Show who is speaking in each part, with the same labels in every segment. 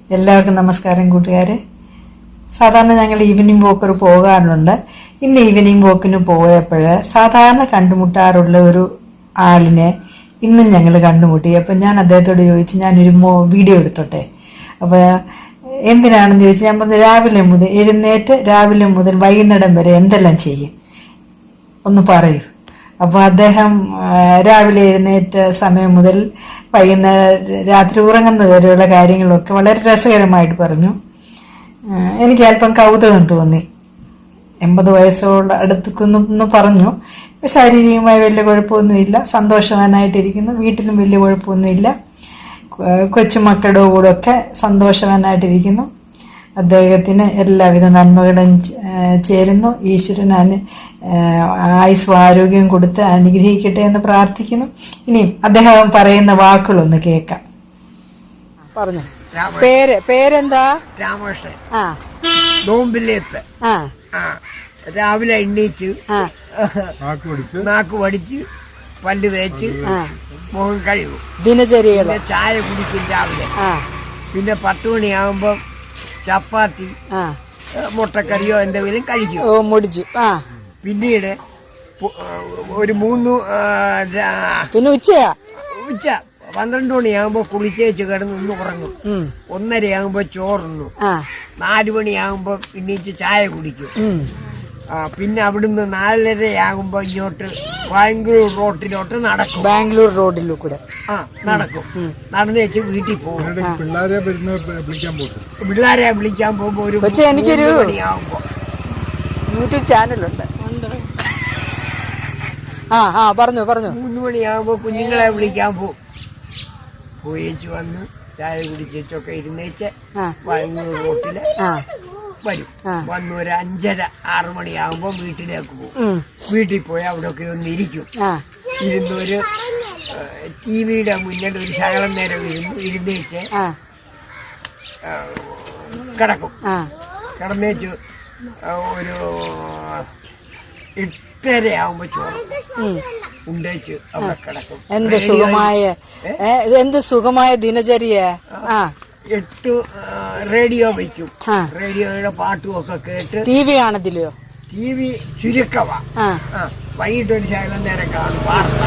Speaker 1: എല്ലാവർക്കും നമസ്കാരം കൂട്ടുകാരെ. സാധാരണ ഞങ്ങൾ ഈവനിങ് വോക്കർ പോകാറുണ്ട്. ഇന്ന് ഈവനിങ് വോക്കിന് പോയപ്പോൾ സാധാരണ കണ്ടുമുട്ടാറുള്ള ഒരു ആളിനെ ഇന്നും ഞങ്ങൾ കണ്ടുമുട്ടി. അപ്പം ഞാൻ അദ്ദേഹത്തോട് ചോദിച്ചു, ഞാനൊരു വീഡിയോ എടുത്തോട്ടെ. അപ്പോൾ എന്തിനാണെന്ന് ചോദിച്ചു. ഞാൻ പറഞ്ഞു, രാവിലെ മുതൽ വൈകുന്നേരം വരെ എന്തെല്ലാം ചെയ്യും ഒന്ന് പറയൂ. അപ്പോൾ അദ്ദേഹം രാവിലെ എഴുന്നേറ്റ സമയം മുതൽ വൈകുന്നേരം രാത്രി ഉറങ്ങുന്നത് വരെയുള്ള കാര്യങ്ങളൊക്കെ വളരെ രസകരമായിട്ട് പറഞ്ഞു. എനിക്ക് അല്പം കൗതുകം തോന്നി. 80 വയസ്സോട് അടുത്തുക്കുന്നു പറഞ്ഞു. ശാരീരികമായി വലിയ കുഴപ്പമൊന്നുമില്ല, സന്തോഷവാനായിട്ടിരിക്കുന്നു, വീട്ടിലും വലിയ കുഴപ്പമൊന്നുമില്ല, കൊച്ചുമക്കളുടെ കൂടെ ഒക്കെ സന്തോഷവാനായിട്ടിരിക്കുന്നു. അദ്ദേഹത്തിന് എല്ലാവിധ നന്മകളും ചേരുന്നു. ഈശ്വരൻ ആയുസ്സും ആരോഗ്യം കൊടുത്ത് അനുഗ്രഹിക്കട്ടെ എന്ന് പ്രാർത്ഥിക്കുന്നു. ഇനിയും അദ്ദേഹം പറയുന്ന വാക്കുകളൊന്ന് കേൾക്കാം. പറഞ്ഞു. പേരെന്താ?
Speaker 2: രാമകൃഷ്ണൻ. നോമ്പിലേത്ത് രാവിലെ എണ്ണീച്ച് നാക്ക് പഠിച്ച് പല്ല് തേച്ച് മുഖം കഴുകും.
Speaker 1: ദിനചര്യകൾ
Speaker 2: ചായ കുടിക്കും രാവിലെ. പിന്നെ 10 മണിയാകുമ്പോ ചപ്പാത്തി മുട്ടക്കറിയോ എന്തെങ്കിലും കഴിക്കും. മുടിച്ചു. പിന്നീട് ഒരു 3 പിന്നെ ഉച്ച 12 മണിയാകുമ്പോ കുളിച്ചേച്ച് കിടന്ന് ഒന്ന് ഉറങ്ങും. 1:30 ചോറുന്നു. 4 മണിയാകുമ്പോ പിന്നീച്ച് ചായ കുടിക്കും. പിന്നെ അവിടുന്ന് 4:30 ഇങ്ങോട്ട് ബാംഗ്ലൂർ റോഡിലോട്ട് നടക്കും. ബാംഗ്ലൂർ റോഡിലൂടെ നടക്കും. നടന്നേച്ച് വീട്ടിൽ പോകും. പിള്ളേരെ വിളിക്കാൻ പോകുമ്പോ ഒരു എനിക്കൊരു മണിയാകുമ്പോ യൂട്യൂബ് ചാനലുണ്ട്. പറഞ്ഞു 3 മണിയാകുമ്പോ കുഞ്ഞുങ്ങളെ വിളിക്കാൻ പോകും. പോയേച്ച് വന്ന് ചായ കുടിച്ചൊക്കെ ഇരുന്നേച്ച് ബാംഗ്ലൂർ റോട്ടില് വരും. വന്ന് ഒരു 5:30-6 മണിയാകുമ്പോ വീട്ടിലേക്ക് പോകും. വീട്ടിൽ പോയി അവിടെയൊക്കെ ഒന്ന് ഇരിക്കും. ഇരുന്നൊരു ടിവിയുടെ മുന്നിൽ ഒരു ശകലം നേരം ഇരുന്നേച്ച് കിടക്കും. കിടന്നേച്ച് ഒരു 8:30 ചോറ് ഉണ്ടേച്ച് അവിടെ കിടക്കും.
Speaker 1: എന്ത് സുഖമായ ദിനചര്യ.
Speaker 2: 8 റേഡിയോ വയ്ക്കും. റേഡിയോയുടെ പാട്ടും ഒക്കെ കേട്ട്.
Speaker 1: TV കാണത്തില്ലയോ?
Speaker 2: TV ചുരുക്കവാ. വൈകിട്ട് ഒരു ശകലം നേരം കാണും വാർത്ത.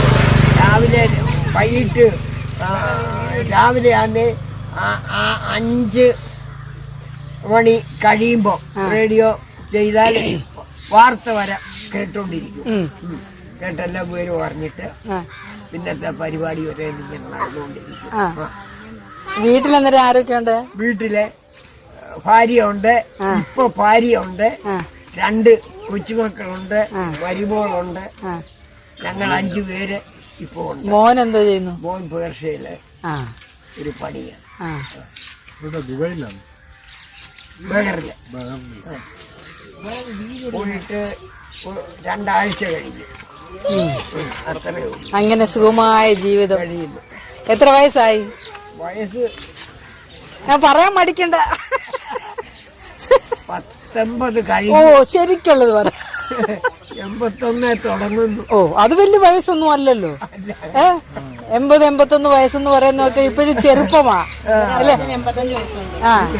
Speaker 2: രാവിലെ ആന്ന് 5 മണി കഴിയുമ്പോ റേഡിയോ ചെയ്താൽ വാർത്ത വരെ കേട്ടോണ്ടിരിക്കും. കേട്ടെല്ലാം പേര് പറഞ്ഞിട്ട് പിന്നത്തെ പരിപാടി വരെ ഇങ്ങനെ നടന്നുകൊണ്ടിരിക്കും.
Speaker 1: വീട്ടിലന്നേരം ആരൊക്കെയുണ്ട്?
Speaker 2: വീട്ടിലെ ഭാര്യയുണ്ട്. ഇപ്പൊ ഭാര്യയുണ്ട്. 2 കൊച്ചുമക്കളുണ്ട്. മരുമോളുണ്ട്. ഞങ്ങൾ 5 പേര് ഇപ്പൊ ഉണ്ട്.
Speaker 1: മോൻ എന്തോ ചെയ്യുന്നു?
Speaker 2: മോൻ പേർഷ്യയില് ഒരു പണിയാണ്. ബഹറില് പോയിട്ട് 2 ആഴ്ച കഴിഞ്ഞു. അത്രേ ഉള്ളൂ.
Speaker 1: അങ്ങനെ സുഖമായ ജീവിതം
Speaker 2: കഴിയുന്നു.
Speaker 1: എത്ര വയസ്സായി?
Speaker 2: വയസ്സ്
Speaker 1: ഞാൻ പറയാൻ മടിക്കണ്ട.
Speaker 2: 19 കഴിഞ്ഞു.
Speaker 1: ശരിക്കുള്ളത് പറ.
Speaker 2: 81 തുടങ്ങുന്നു.
Speaker 1: അത് വലിയ വയസ്സൊന്നും അല്ലല്ലോ. 80-81 വയസ്സെന്ന് പറയുന്നതൊക്കെ ഇപ്പോഴും ചെറുപ്പമാ അല്ലേ?
Speaker 2: 85 വയസ്സുണ്ട്.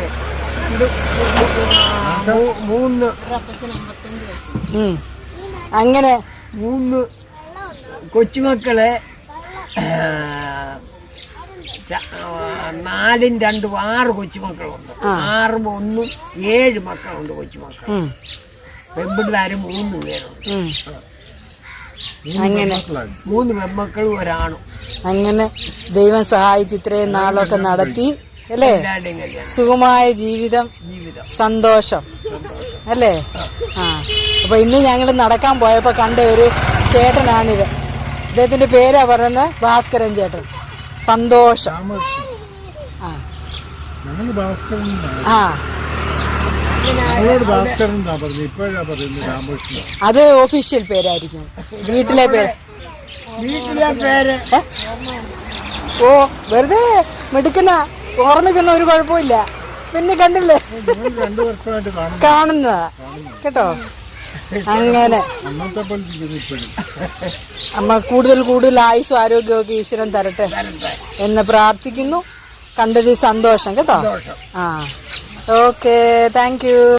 Speaker 2: 3
Speaker 1: അങ്ങനെ
Speaker 2: 3 കൊച്ചുമക്കളെ 4-ഉം 2-ഉം 6 കൊച്ചുമക്കളുണ്ട്. 6-ഉം 1-ഉം 7 മക്കളുണ്ട് കൊച്ചുമക്കൾ. പെൺപിള്ളേര് 3 പേരുണ്ട്.
Speaker 1: അങ്ങനെ
Speaker 2: 3 പെൺമക്കളും ഒരാണും. അങ്ങനെ
Speaker 1: ദൈവം സഹായിച്ച് ഇത്രയും നാളൊക്കെ നടത്തി അല്ലേ? സുഖമായ ജീവിതം, സന്തോഷം അല്ലേ? അപ്പൊ ഇന്ന് ഞങ്ങൾ നടക്കാൻ പോയപ്പോ കണ്ട ഒരു ചേട്ടനാണിത്. അദ്ദേഹത്തിന്റെ പേരാ പറയുന്നത് ഭാസ്കരൻ ചേട്ടൻ. സന്തോഷം. അത് ഒഫീഷ്യൽ പേരായിരിക്കും. വീട്ടിലെ പേര് വെറുതെ മിടുക്കന ഓർമ്മിക്കുന്ന ഒരു കുഴപ്പമില്ല. പിന്നെ കണ്ടില്ലേ കാണുന്നതാ കേട്ടോ. അങ്ങനെ അമ്മ കൂടുതൽ ആയുസ്സും ആരോഗ്യമൊക്കെ ഈശ്വരൻ തരട്ടെ എന്ന് പ്രാർത്ഥിക്കുന്നു. കണ്ടതിൽ സന്തോഷം കേട്ടോ.
Speaker 2: സന്തോഷം.
Speaker 1: ആ ഓക്കെ, താങ്ക് യു.